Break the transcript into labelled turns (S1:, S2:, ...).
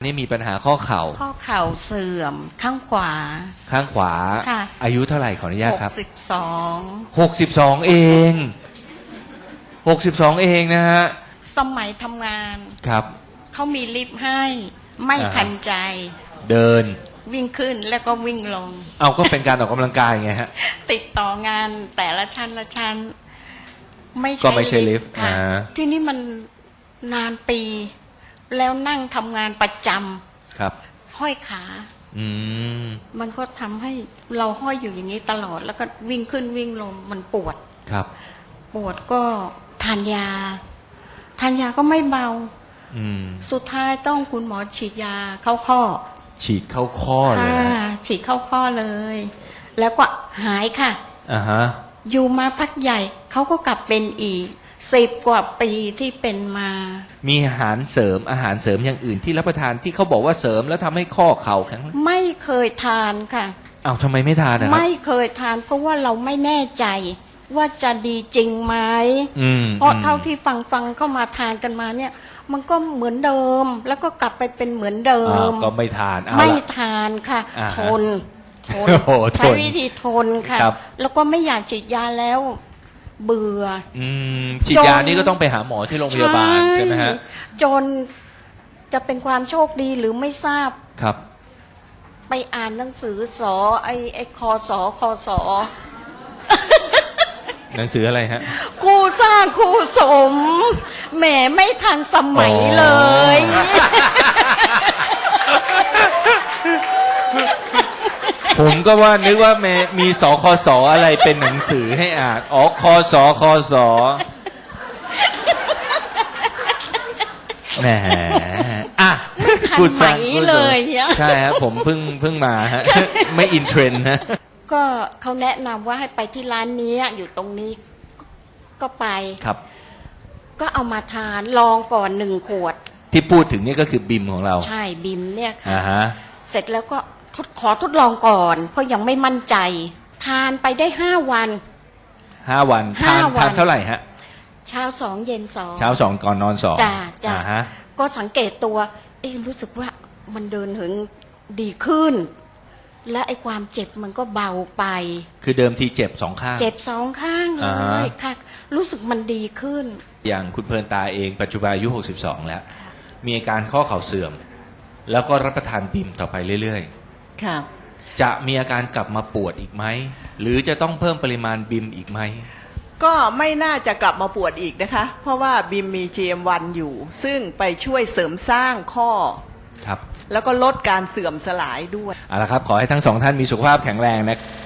S1: นี่มีปัญหาข้อเข่า
S2: ข้อเข่าเสื่อมข้างขวา
S1: ข้างขวา
S2: ค่ะ
S1: อายุเท่าไหร่ขออนุญาตครับ
S2: 62
S1: 62เอง62เองนะฮะ
S2: สมัยทำงาน
S1: ครับ
S2: เขามีลิฟต์ให้ไม่ทันใจ
S1: เดิน
S2: วิ่งขึ้นแล้วก็วิ่งลง
S1: เอาก็เป็นการออกกำลังกายไงฮะ
S2: ติดต่องานแต่ละชั้นละชั้น
S1: ก็ไม่ใช่ลิฟต์
S2: ค่ะที่นี่มันนานปีแล้วนั่งทำงานประจำ
S1: ครับ
S2: ห้อยขามันก็ทำให้เราห้อยอยู่อย่างนี้ตลอดแล้วก็วิ่งขึ้นวิ่งลงมันปวด
S1: ครับ
S2: ปวดก็ทานยาก็ไม่เบาสุดท้ายต้องคุณหมอฉีดยาเข้าข้อ
S1: ฉีดเข้าข้อเลย
S2: ฉีดเข้าข้อเลยแล้วก็หายค่ะอยู่มาพักใหญ่เขาก็กลับเป็นอีก10 กว่าปีที่เป็นมา
S1: มีอาหารเสริมอย่างอื่นที่รับประทานที่เขาบอกว่าเสริมแล้วทำให้ข้อเข่าแข็ง
S2: ไม่เคยทานค่ะ
S1: อ้าวทำไมไม่ทาน
S2: ไม่เคยทานเพราะว่าเราไม่แน่ใจว่าจะดีจริงไหมเพราะเท่าที่ฟังเข้ามาทานกันมาเนี่ยมันก็เหมือนเดิมแล้วก็กลับไปเป็นเหมือนเดิม
S1: ก็ไม่ทาน
S2: ไม่ทานค่ะทนใช้วิธีทนค่ะแล้วก็ไม่อยากฉีดยาแล้วเบื่อ
S1: ฉีดยานี่ก็ต้องไปหาหมอที่โรงพยาบาลใช่ไหมฮะ
S2: จนจะเป็นความโชคดีหรือไม่ทราบ
S1: ครับ
S2: ไปอ่านหนังสือไอ้คส
S1: หนังสืออะไรฮะ
S2: คู่สร้างคู่สมแหมไม่ทันสมัยเลย
S1: ผมก็ว่านึกว่ามีสคสอะไรเป็นหนังสือให้อ่านคสแหม
S2: พูดสมัยเลย
S1: ใช่ฮะผมเพิ่งมาฮะไม่อินเทรนด์ฮะ
S2: ก็เขาแนะนำว่าให้ไปที่ร้านนี้อยู่ตรงนี้ก็ไป
S1: ครับ
S2: ก็เอามาทานลองก่อน1 ขวด
S1: ที่พูดถึงนี่ก็คือบิมของเรา
S2: ใช่บิมเนี่ยค่ะเสร็จแล้วก็ขอทดลองก่อนเพราะยังไม่มั่นใจทานไปได้5 วัน
S1: ทานเท่าไหร่ฮะ
S2: เช้า2เย็น2
S1: เช้า2ก่อนนอน2
S2: จ้ะก็สังเกตตัวรู้สึกว่ามันเดินถึงดีขึ้นและไอ้ความเจ็บมันก็เบาไป
S1: คือเดิมทีเจ็บ2 ข้าง
S2: เจ็บ2 ข้างเลยค่ะรู้สึกมันดีขึ้น
S1: อย่างคุณเพลินตาเองปัจจุบันอายุ62แล้วมีอาการข้อเข่าเสื่อมแล้วก็รับประทานบิมต่อไปเรื่อยๆ
S2: ค่ะ
S1: จะมีอาการกลับมาปวดอีกไหมหรือจะต้องเพิ่มปริมาณบิมอีกไหม
S3: ก็ไม่น่าจะกลับมาปวดอีกนะคะเพราะว่าบิมมี GM1 อยู่ซึ่งไปช่วยเสริมสร้างข้อ
S1: ครับ
S3: แล้วก็ลดการเสื่อมสลายด้วย
S1: เอาละครับขอให้ทั้ง2 ท่านมีสุขภาพแข็งแรงนะ